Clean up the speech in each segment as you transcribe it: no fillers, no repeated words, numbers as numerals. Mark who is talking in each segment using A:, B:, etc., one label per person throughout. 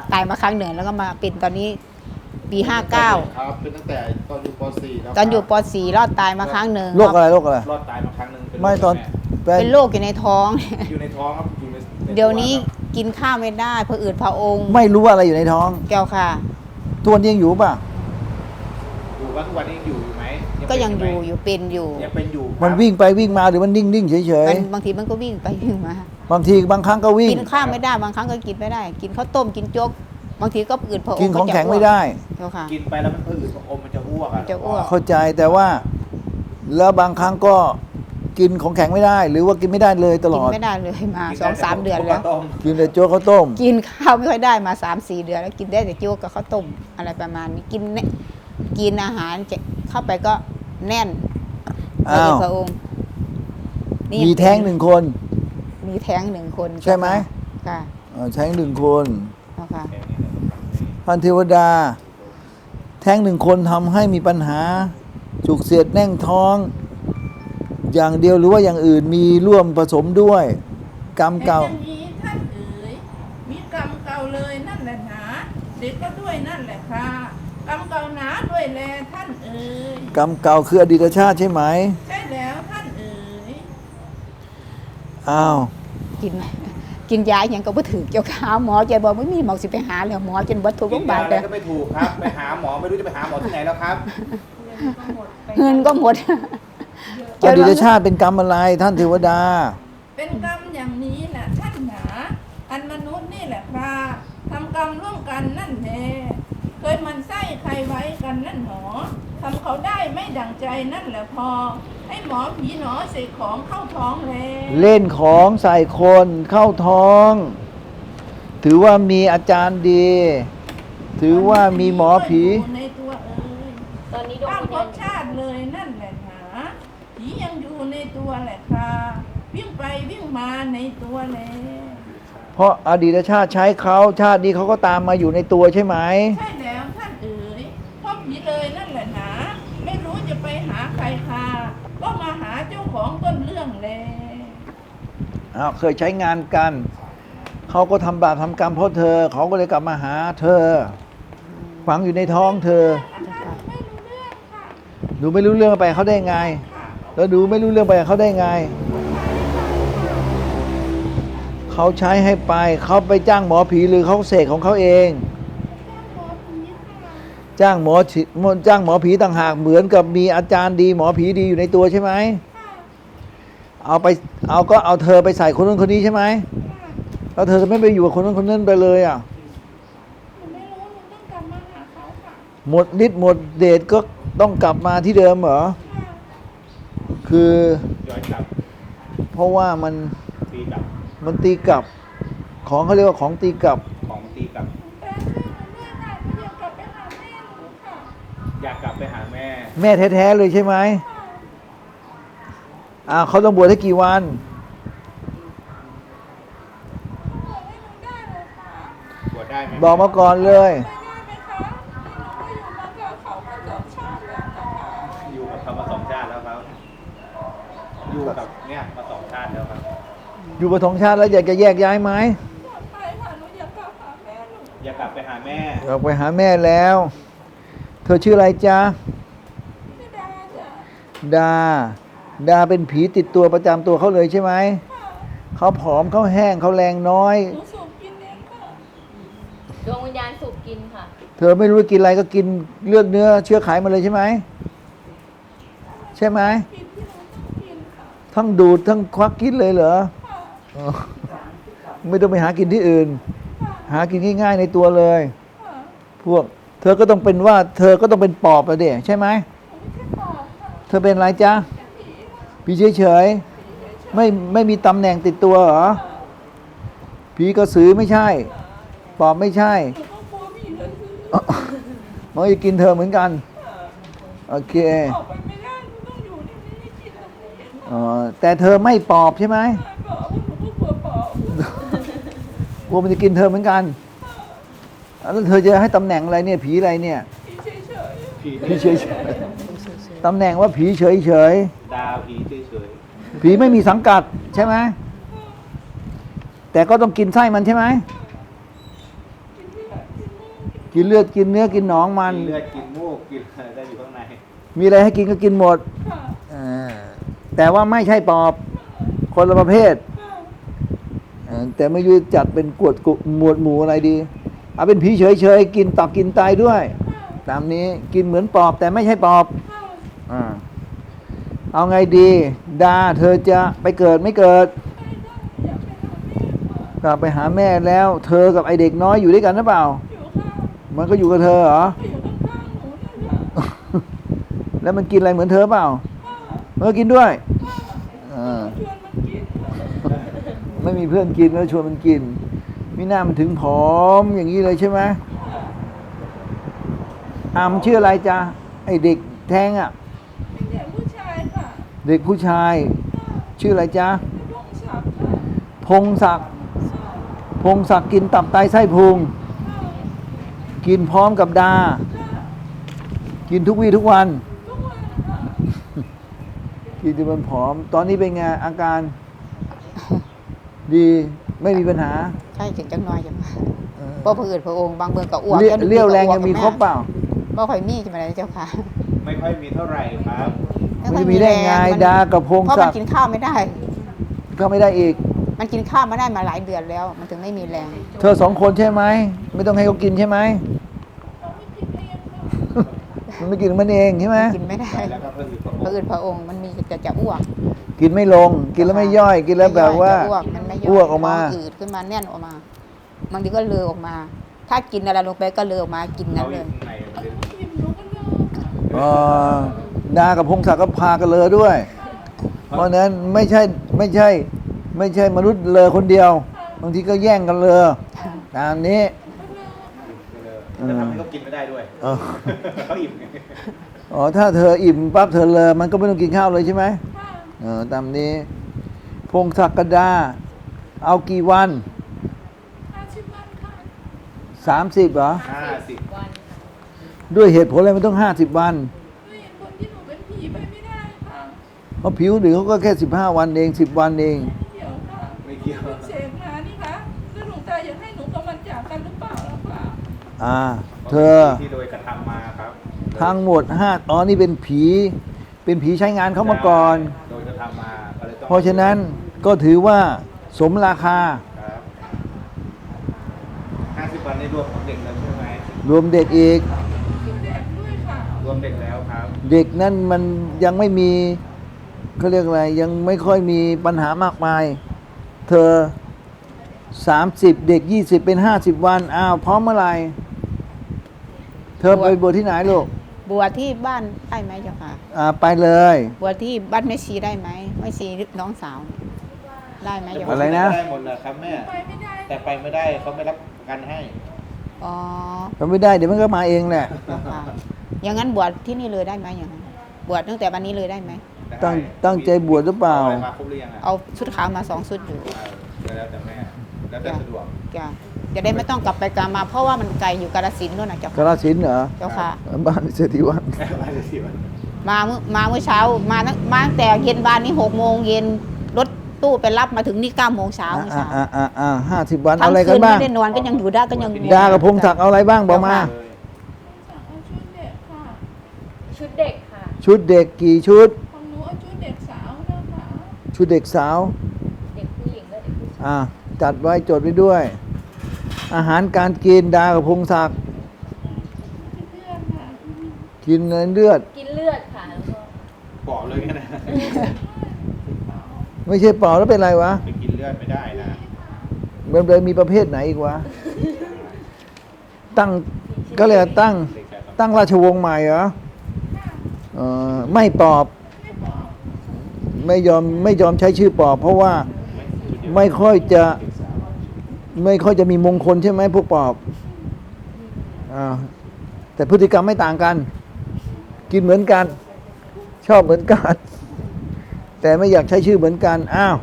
A: ตายมาครั้งหนึ่งแล้วก็มาเป็นตอนนี้ปี59
B: ครับเป็นตั้งแต่ตอนอยู่ป .4 แล้ว
A: ตอนอยู่ป .4 รอดตายมาครั้งหนึ่ง
C: โรคอะไรโรคอะไร
B: รอดตายมาครั้งหนึ่ง
C: ไม่ตอน
A: เป็นโรคอยู่ในท้อง
B: อยู่ในท้องครับอยู่ใน
A: เดี๋ยวนี้กินข้าวไม่ได้ผะอืดผะอม
C: ไม่รู้ว่าอะไรอยู่ในท้อง
A: แก้วค่ะ
C: ตัวนยังอยู่ป่ะ
B: อยู่ว่าทุกวันนี้ยังอยู่ไหม
A: ก็ยังอยู่เป็นอยู่
B: ยังเป็นอยู่ครับ
C: มันวิ่งไปวิ่งมาหรือมันนิ่งเฉย
A: บางทีมันก็วิ่งไปวิ่งมา
C: ๆบางทีบางครั้งก็วิ่ง
A: กินข้าวไม่ได้บางครั้งก็กินไม่ได้ กินข้าวต้มกินโจ๊กบางทีก็อืดผะอม
C: กินของแข็งไม่ได้
A: เจ้าค่ะ
B: กินไปแล้วมันผืดอมมันจะอ้วกอะ
A: จะอ้วก
C: เข้าใจแต่ว่า แล้วบางครั้งก็กินของแข็งไม่ได้ หรือว่ากินไม่ได้เลยตล
A: กิน
C: อด
A: ไม่ได้เลยมา
B: กินได้
A: 2-3 เดือนแล้ว
B: ต้ม
C: กินแต่โจ๊กข้าวต้ม
A: กินข้าวไม่ค่อยได้มา 3-4 เดือนแล้วกินได้แต่โจ๊กกับข้าวต้มอะไรประมาณนี้กินอาหารจะเข้าไปก็แน่น
C: อ้าว
A: พระองค์นี่
C: มีแท้งหนึ่งคน
A: มีแท้งหนึ่งคน
C: ใช่ไหม
A: ค่ะ
C: แท้งหนึ่งคน
A: เอาค่ะ
C: พันเทวดา แท้งหนึ่งคนทำให้มีปัญหา จุกเสียดแน่งท้อง อย่างเดียวหรือว่าอย่างอื่นมีร่วมผสมด้วย กรรมเก่า
D: แต่อย่างนี้ท่านเอ๋ยมีกรรมเก่าเลยนั่นแหละหนาเด็กก็ด้วยนั่นแหละค่ะกรรมเก่าหนาด้วยแลท่านเอ๋ย
C: กรรมเก่าคืออดีตชาติใช่ไหม
D: ใช่แล้วท่านเอ๋ย
C: อ้าว
A: กินยาอย่างก็บ่ถือเจ้าขาหมอใจบอกไม่มีหมอสิไปหาแล้วหมอจนบ่ถูกโรงพยาบาล
B: เล
A: เลย ย
B: ก็ไม่ถูกครับไปหาหมอไม่รู้จะไปหาหมอที่ไหนแล้วครับ
A: เงินก็หมด
C: อดีตชาติเป็นกรรมอะไรท่านเทวดา
D: เป็นกรรมอย่างนี้แหละท่านหนาอันมนุษย์นี่แหละค่ะทำกรรมร่วมกันนั่นแหละเคยมันไส้ใครไว้กันนั่นหนอทำเขาได้ไม่ดังใจนั่นแหละพอ ให้หมอผีหนอเสกของเข้าท้องแล
C: เล่นของใส่คนเข้าท้อง ถือว่ามีอาจารย์ดี ถือว่ามีหมอผี
D: อยู่ในตัวเอ๋ย
E: ตอนนี้ดวง
D: ข้าม
E: วิญ
D: ภ
E: ญาณ
D: พชาติเลยนั่นแหละหนาผียังอยู่ในตัวแหละค่ะวิ่งไปวิ่งมาในตัวแล
C: เพราะอดีตชาติใช้เขาชาตินี้เขาก็ตามมาอยู่ในตัวใช่ไหม
D: ใช่แล้วท่านเอ๋ยพ่อผีเลยนั่นแหละหนาไม่รู้จะไปหาใครค่ะก็มาหาเจ้าของต้นเรื่องแล
C: อ้าวเคยใช้งานกัน เขาก็ทำบาปทำกรรมเพราะเธอ เขาก็เลยกลับมาหาเธอ ฝังอยู่ในท้องเธอ
D: ไม่รู้เรื่องค่ะ
C: หนูไม่รู้เรื่องไปเขาได้ไง แล้วดูไม่รู้เรื่องไปเขาได้ไง เขาใช้ให้ไป เขาไปจ้างหมอผีหรือเขาเสกของเขาเอง จ้างหมอผีต่างหากเหมือนกับมีอาจารย์ดีหมอผีดีอยู่ในตัวใช่ไหม เอาเธอไปใส่คนนู้นคนนี้ใช่ไหม แล้วเธอจะไม่ไปอยู่กับคนนู้นคนนั้นไปเลยอ่ะ
D: หนูไม่รู้หนูต้องกลับมาหาเขาค่ะ
C: หมดฤทธิ์หมดเดชก็ต้องกลับมาที่เดิมเหรอ คือ
B: ย้อนกลับ
C: เพราะว่ามัน
B: ตีกลับ
C: ตีกลับ ของเขาเรียกว่าของตีกลับ
B: ของตีกลับ
D: แต่ช่วยหนูด้วยค่ะหนูอยากกลับไปหาแม่หนูค่ะ
B: อยากกลับไปหาแม่
C: แม่แท้ๆเลยใช่ไหมเขาต้องบวชให้กี่วัน
D: บอกให้หนูได้เลยค่ะ
B: บวชได้ไหม
C: บอกมาก่อนเลย
D: ไปได้ไหมคะหนูก็อยู่มากับเขามาสองชาติแล้วค่ะ
B: อยู่กับเขามา2 ชาติแล้วครับ อยู่กับเนี่ยมา2 ชาติแล้วครับ
C: อยู่กับทองชาติแล้วอยากจะแยกย้ายไหม
D: ปลอดภัยค่ะหนูอยากกลับหาแม่หนู
B: อยากกลับไปหาแม่
C: อยากไปหาแม่แล้ว เธอชื่ออะไรจ๊ะ
D: ไม่ได้จ้ะ
C: ดาเป็นผีติดตัวประจำตัวเขาเลยใช่ไหม
D: ค่ะ
C: เขาผอมเขาแห้งเขาแรงน้อย
D: หนูสูบกินเองค่ะ
E: ดวงวิญญาณสูบกินค่ะ
C: เธอไม่รู้จะกินอะไรก็กินเลือดเนื้อเชื้อไขมาเลยใช่ไหม ใช่ไหม
D: กินที่หนูต้องกินค่ะ
C: ทั้งดูดทั้งควักกินเลยเหรอ
D: ค่ะ
C: อ๋อไม่ต้องไปหากินที่อื่น
D: ค่ะ
C: หากินง่ายๆในตัวเลย
D: ค่ะ
C: พวก เธอก็ต้องเป็นว่า เธอก็ต้องเป็นปอบอะเด็ใช่ไหม
D: หนูไม่ใช่ปอบค่ะ
C: เธอเป็นอะไรจ๊ะ
D: ผีค่ะ
C: ผีเฉยๆไม่มีตำแหน่งติดตัวเหรอ ผีกระสือไม่ใช่ ปอบไม่ใช่
D: หนูก็กลัวผีเลยคือ
C: มันจะกินเธอเหมือนกัน โอเค
D: ออกไปไม่ได้หนูต้องอยู่ที่นี่ไม่กินอะไร
C: แต่เธอไม่ปอบใช่ไหม
D: ปอบหนูก็กลัวปอบ
C: กลัวมันจะกินเธอเหมือนกันแล้วเธอจะให้ตำแหน่งอะไรเนี่ย ผีอะไรเนี่ย
D: ผีเฉย
B: ผี
C: ผีเฉยๆตำแหน่งว่าผีเฉย
B: ดาวผีเฉย
C: ๆผีไม่มีสังกัดใช่ไหมแต่ก็ต้องกินไส้มันใช่ไหม
D: ๆกินที่ไหน
C: กินเลือดกินเนื้อกินหนองมัน
B: กินเลือดกินมูกกินอะไรได้อยู่ข้างใน
C: มีอะไรให้กินก็กินหมด
D: ค่ะ
C: อ่าแต่ว่าไม่ใช่ปอบ คนละประเภท
D: ค่ะ
C: แต่ไม่รู้จัดเป็นกวดกุหมวดหมู่อะไรดี เอาเป็นผีเฉยๆกินตับกินไตด้วย ตามนี้กินเหมือนปอบแต่ไม่ใช่ปอบ
D: ค่ะ
C: อ่าเอาไงดีดาเธอจะไปเกิดไม่เกิด
D: ไปได้อยากไปหาแม่ค่ะ
C: กลับไปหาแม่แล้ว เธอกับไอเด็กน้อยอยู่ด้วยกันหรือเปล่า
D: อยู่ค่ะ
C: มันก็อยู่กับเธอเหรอ
D: ไปอยู่ข้างๆหนูนี่ค่ะ
C: แล้วมันกินอะไรเหมือนเธอเปล่า
D: ค่ะ
C: มันก็กินด้วยอ่า
D: ชวนมันกินค่ะ
C: ไม่มีเพื่อนกินก็ชวนมันกินมิน่ามันถึงผอมอย่างนี้เลยใช่ไหมมันชื่ออะไรจ๊ะไอเด็กแท้งอ่ะ
D: เป็นเด็กผู้ชายค่ะ
C: เด็กผู้ชาย ชื่ออะไรจ๊ะ
D: เป็นลูกสาวค่ะ
C: พงศักดิ์
D: ใช่
C: พงศักดิ์กินตับไตไส้พุง
D: ค่ะ
C: กินพร้อมกับดา
D: ค่ะ
C: กินทุกวี่ทุกวัน
D: ทุกวันค่ะ
C: กินจนมันผอม ตอนนี้เป็นไงอาการ ดีไม่มีปัญหา
A: ใช่ถึงจังน้อยจัง
C: เออ
A: เพราะผืดพระองค์บางเบืองก็อ้วก
C: เรี่ยวแรงยังมีครบเปล่า
A: บ่ค่อยมีใช่ไหมเจ้าค่ะ
B: ไม่ค่อยมีเท่าไหร่ครับ
C: มันจะมีได้ไงดากับพง
A: เพราะ
C: ศั
A: มัน
C: กดิ์
A: กินข้าวไม่ได้
C: ก็ไม่ได้อีก
A: มันกินข้าวมาได้มาหลายเดือนแล้ว มันถึงไม่มีแรง
C: เธอสองคนใช่ไหม ไม่ต้องให้เขากินใช่ไหม
D: เราไม่กินเองค่ะ
C: มันไม่กินของมันเองใช่ไหม
A: กินไม่ได้
B: แล้วก็เพิ่มอีกประ
A: พระอืดพระองค์มันมีจะอ้วก
C: กินไม่ลง กินแล้วไม่ย่อย กินแล้วแบบว่า
A: จะอ้วกมันไม่ย่อย
C: อ้วกออกมา
A: ท้งอืดขึ้นมาแน่นออกมาบางทีก็เลอะออกมา ถ้ากินอะไรลงไปก็เลอะออกมากินงั้นเลย
B: ข้างในมันเป็น
D: กินหนูก็เลิกค่ะ
C: ดากับพงศักดิ์ก็พากันเลอด้วย เพราะฉะนั้นไม่ใช่มนุษย์เลอคนเดียว บางทีก็แย่งกันเลอตามนี้
B: จะทำให้เขากินไม่ได้ด้วย
C: เออ
B: เขาอิ่มไง
C: อ๋อถ้าเธออิ่มปั๊บเธอเลอมันก็ไม่ต้องกินข้าวเลยใช่ไหม
D: ค่ะ
C: ตามนี้ พงศักดิ์ดา เอากี่วัน
D: 50 วันค่ะ
C: 30เหรอ
B: 50
E: วันค่ะ
C: ด้วยเหตุผลอะไรมันต้อง50 วัน
D: ด้วยเหตุผลที่หนูเป็นผีไปไม่ได้ค่ะ
C: เพราะผิวหรือเขาก็แค่15 วันเอง10 วันเอง
D: เดี๋ยวค่ะ
B: ไม่เกี่ยว
D: คุณเสกมานี่คะแล้วหลวงตาอยากให้หนูกับมันจากกันหรือเปล่าล่ะคะ
C: เธอ
B: ที่โดยกระทำมาครับ
C: ทั้งหมดนี่เป็นผีใช้งานเขามาก่อน
B: โดยกระทำมาก็เลยต้อง
C: เพราะฉะนั้นก็ถือว่าสมราคา
B: ครับ50 วันในรวมของเด็กแล้วใช่ไหม
C: รวมเด็กอีก
D: กินแดกด้วยค่ะ
B: รวมเด็กแล้วครับ
C: เด็กนั่นมันยังไม่มีเขาเรียกอะไร ยังไม่ค่อยมีปัญหามากมาย เธอ30 เด็ก20เป็น50 วันพร้อมเมื่อไหร่เธอไปบวชที่ไหนลูก
A: บวชที่บ้านได้ไหมเจ้าค่ะ
C: ไปเลย
A: บวชที่บ้านแม่ชีได้ไหมแม่ชีน้องสาว ได้ไหมเจ้า
C: อะไร
A: ค่ะ
C: นะ
B: ได้หมดนะครับแม่
D: ไปไม่ได้
B: แต่ไปไม่ได้เขาไม่รับประกันให้
A: อ๋อ
C: ทำไม่ได้เดี๋ยวมันก็มาเองแหละ
A: เจ้าค่ะอย่างนั้นบวชที่นี่เลยได้ไหมอย่างนั้นบวชตั้งแต่วันนี้เลยได้ไหม
C: ตั้งใจบวชหรือเปล่า
B: ออะไรมาครบหรือยังอ่ะ
A: เอาชุดขาวมา2 ชุดอยู่
B: แล้วแต่แม่ แล้วแต่สะดวก
A: จ้ะจะได้ไม่ต้องกลับไปกลับมา เพราะว่ามันไกลอยู่กาฬสินธุ์นู่นนะเจ้าก
C: ราสินธุ์เหรอ
A: เจ้าค่ะ
C: บ้านเศรษฐีวัน
B: มาจะสิวัน
A: มาเมื่อเช้ามาตั้งแต่เย็นบ้านนี้6 โมงเย็นรถตู้ไปรับมาถึงนี่9 โมงเช้าเมื่อเช้า
C: 50 วันเอา
A: ทั้ง
C: อะไรกั
A: คื
C: น
A: น
C: บ้าง
A: ไม่ได้นอนก็ยังอยู่ได้ก็ยัง
C: ดากับพงศักดิ์เอาอะไรบ้างบอกมา
D: สั่งเอาชุดเด็กค่ะ
E: ชุดเด็กค่ะ
C: ชุดเด็กกี่ชุด
D: ของหนูเอาชุดเด็กสาวนะคะ
C: ชุดเด็กสาว
E: เด็กผู้หญิงและเด็กผู้ชาย
C: จัดไว้จดไว้ด้วย อาหารการกินดากับพงศักดิ์
D: ที่เพื่อนค่ะ
C: กินเลือด
E: กินเลือดค่ะแล้วก็
B: บอกเลยนะ
C: ไม่ใช่เปล่าแล้วเป็นไรวะ
B: ไปกินเลือดไม่ได้นะ
C: มันเลยมีประเภทไหนอีกวะ ตั้งก็เลยกว่าตั้ง
B: เด็กชายต้อง
C: ตั้งราชวงศ์ใหม่เหรอไม่ปอบ ไม่ยอมใช้ชื่อปอบ เพราะว่าไม่ค่อยจะมีมงคลใช่ไหมพวกปอบแต่พฤติกรรมไม่ต่างกัน กินเหมือนกัน ชอบเหมือนกัน แต่ไม่อยากใช้ชื่อเหมือนกัน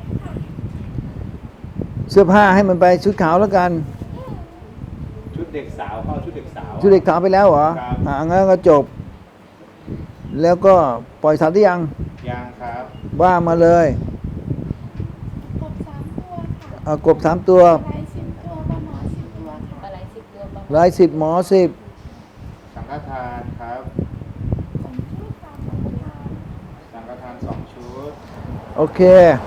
C: เสื้อผ้าให้มันไปชุดขาวแล้วกัน
B: ชุดเด็กสาวเข้าชุดเด็กสาว
C: ชุดเด็กขาวไปแล้วเหรอ
B: ครับ
C: งั้นก็จบ แล้วก็ปล่อยสัตว์หรือยัง
B: ยังครับ
C: ว่ามาเลย
D: กบ3 ตัวค่ะ
C: กบ3 ตัว
D: อะไร10 ตัวปลาหมอ10 ตัวค่ะ
E: ปลาไหล10 ตัวปลาห
C: ราย10 หมอ 10
B: สังฆทานครับ สังฆทาน2 ชุด
C: โอเค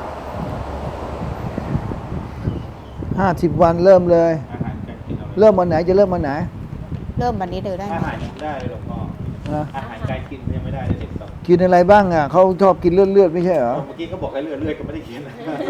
C: 50 วันเริ่มเลย
B: อาหารการกินเอา
C: เริ่มวันไหนจะเริ่มวันไหน
A: เริ่มวันนี้เลยได้ไหม
B: อาหารยังไม่ได้เลยหลวงพ่อ
C: นะ
B: อาหารการกินยังไม่ได้เลยเด็กสอง
C: กินอะไรบ้างอ่ะเขาชอบกินเลือดไม่ใช่เหรอ
B: เมื่อกี้ก็บอกให้เลือดก็ไม่ได้กิน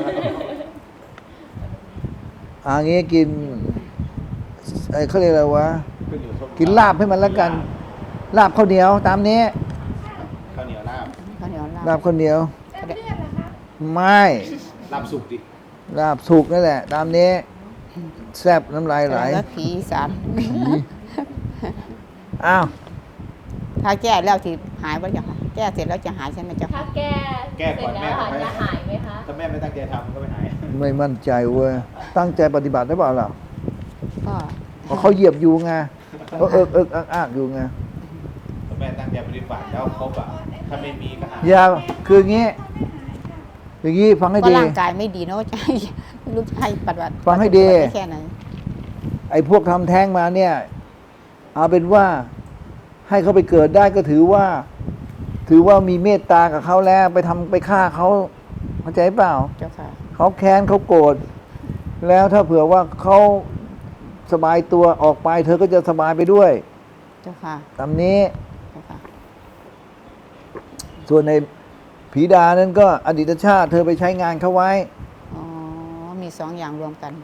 C: งี้กินเขาเรียกอะไรวะ
B: ขึ้นอยู่ส้ม
C: กินลาบให้มันแล้วกัน ลาบข้าวเหนียวตามนี้
B: ข้าวเหนียวลาบ
A: ข้าวเหนียวลา
C: ลา
A: บบ
C: ข้าวเหนียว
D: แล้วเลือดล่ะคะ
C: ไม่
B: ลาบสุกดิ
C: ลาบสุกนั่นแหละ ตามนี้ แซ่บน้ำลายไหล
A: แล้วผีอีสาน
C: อ้าว
A: ถ้าแก้แล้วที่หายไปอย่างไรแก้เสร็จแล้วจะหายใช่ไหมเจ้า
E: ถ้า
A: ค่ะ
E: แก้
B: แก้
E: เสร็
B: ก่อ
E: จ
B: น
E: แล้
B: แม่
E: ว
B: ทำ
E: จะหายไหมคะ
B: ถ้าแม่ไม่ตั้งใจทำมันก็ไม่หาย
C: ไม่มั่นใจเว้ย ตั้งใจปฏิบัติได้เปล่าล่ะ
A: ก็
C: เพราะเขาเหยียบอยู่ไงเขาเอิกอักอยู่ไง
B: ถ้าแม่ตั้งใจปฏิบัติแล้วครบอ่ะ ถ้าไม่มีก็หาย
C: อย่าคืออย่างงี้ อย่างงี้ฟังให้
A: ก็
C: ดี
A: ร่างกายไม่ดีเนาะจะให้ไม่รู้จะให้ปฏิบัติ
C: ฟังให้ดี
A: ปฏิบัติไแค่ไหน
C: ไอ้พวกทำแท้งมาเนี่ย เอาเป็นว่าให้เขาไปเกิดได้ก็ถือว่ามีเมตตากับเขาแล้วไปทำไปฆ่าเขาเข้าใจเปล่า
A: เจ้าค่ะ
C: เขาแค้นเขาโกรธแล้วถ้าเผื่อว่าเขาสบายตัวออกไป เธอก็จะสบายไปด้วย
A: เจ้าค่ะ
C: ตามนี้
A: เจ้าค่ะ
C: ส่วนในผีดานั้นก็อดีตชาติ เธอไปใช้งานเขาไว้
A: อ๋อมีสองอย่างรวมกัน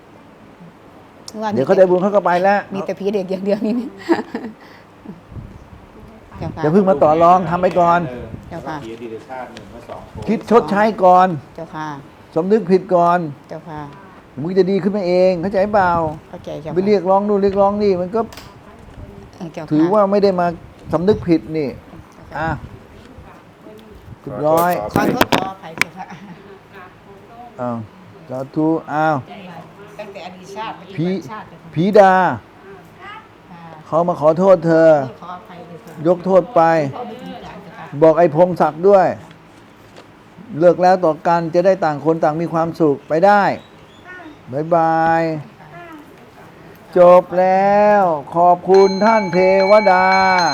C: เดี๋ยวเขาได้บุญเขาก็ไปแล้ว
A: มีแต่ผีเด็กอย่างเดียวนี่นี่เจ้าค่ะ
C: อย่าเพิ่งมาต่อรองทำไปก่อน
A: เจ้าค่ะ
B: ผีอดีตชาติ1 และ 2
C: คิดชดใช้ก่อน
A: เจ้าค่ะ
C: สำนึกผิดก่อน
A: เจ้าค่ะ
C: มึงจะดีขึ้นมาเองเข้าใจเปล่า
A: เข้าใจเจ้าค่ะ
C: ไปเรียกร้องนู่นเรียกร้องนี่มันก็
A: เจ้าค่ะ
C: ถือว่าไม่ได้มาสำนึกผิดนี่อ่ะเรียบร้อย
A: ขอโทษขออภัยเจ้าค่ะ
C: อ้าวสาธุอ้าว
A: ตั้งแต่อดีตชาติไป
C: ผี
A: ชาติเจ้าค่ะ
C: ผีดา เขามาขอโทษเธอ
A: ขออภัยเลยค่ะ
C: ยกโทษไป
A: ขอไม่ถึงการเจ้าค่ะ
C: บอกไอ้พงศักดิ์ด้วย เลิกแล้วต่อกันจะได้ต่างคนต่างมีความสุขไปได้บายบาย จบแล้ว ขอบคุณท่านเทวดา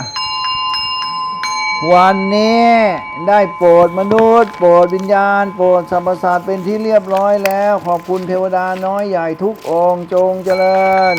C: วันนี้ได้โปรดมนุษย์ โปรดวิญญาณ โปรดสรรพสัตว์เป็นที่เรียบร้อยแล้ว ขอบคุณเทวดาน้อยใหญ่ทุกองค์จงเจริญ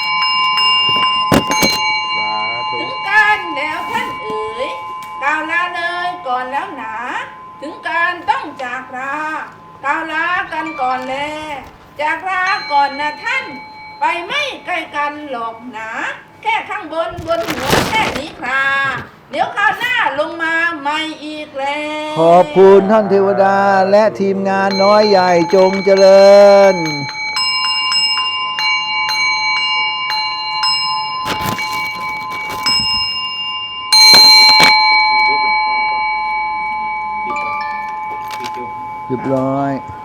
B: สาธุ
D: ถึงการแล้วท่านเอ๋ยกล่าวลาเลยก่อนแล้วหนา ถึงการต้องจากลากล่าวลากันก่อนแลจากลาก่อนนะท่าน ไปไม่ไกลกันหรอกหนา แค่ข้างบนหัวแค่นี้คราเดี๋ยวคราวหน้าลงมาใหม่อีกแล้ว
C: ขอบคุณท่านเทวดาและทีมงานน้อยใหญ่จงเจริญเรียบร้อย